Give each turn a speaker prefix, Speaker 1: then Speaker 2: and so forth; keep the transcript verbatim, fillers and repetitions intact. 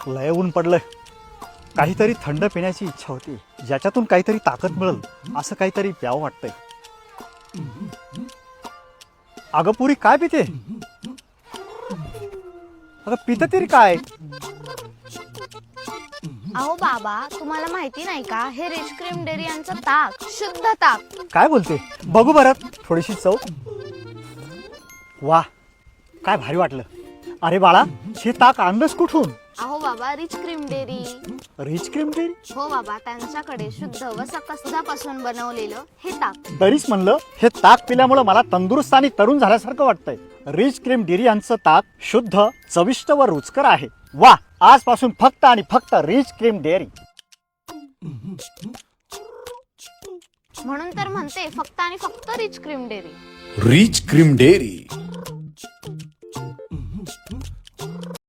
Speaker 1: लय ऊन पडलंय. काहीतरी थंड पिण्याची इच्छा होती, ज्याच्यातून काहीतरी ताकद मिळेल असं काहीतरी प्यावं वाटतंय. अगं पुरी काय पिते? अगं पित तरी काय?
Speaker 2: अहो बाबा, तुम्हाला माहिती नाही का, हे रिच क्रीम डेअरी यांचं ताक, शुद्ध ताक.
Speaker 1: काय बोलते? बघू बरं थोडीशी चव. वा, काय भारी वाटलं. अरे बाळा, हे ताक आणलंस कुठून?
Speaker 2: अहो बाबा, rich cream dairy.
Speaker 1: Rich cream dairy?
Speaker 2: हो बाबा, त्यांच्याकडे शुद्ध व सकस दुधापासून बनवलेलं हे ताक.
Speaker 1: तरीच म्हणलं, हे ताक पिल्यामुळे मला तंदुरुस्त आणि तरुण झाल्यासारखं वाटतंय. रिच क्रीम डेअरी यांचं ताक शुद्ध, चविष्ट व रुचकर आहे. वा, आजपासून फक्त आणि फक्त रिच क्रीम डेअरी.
Speaker 2: म्हणून तर म्हणते फक्त आणि फक्त rich cream dairy.
Speaker 3: Rich cream dairy.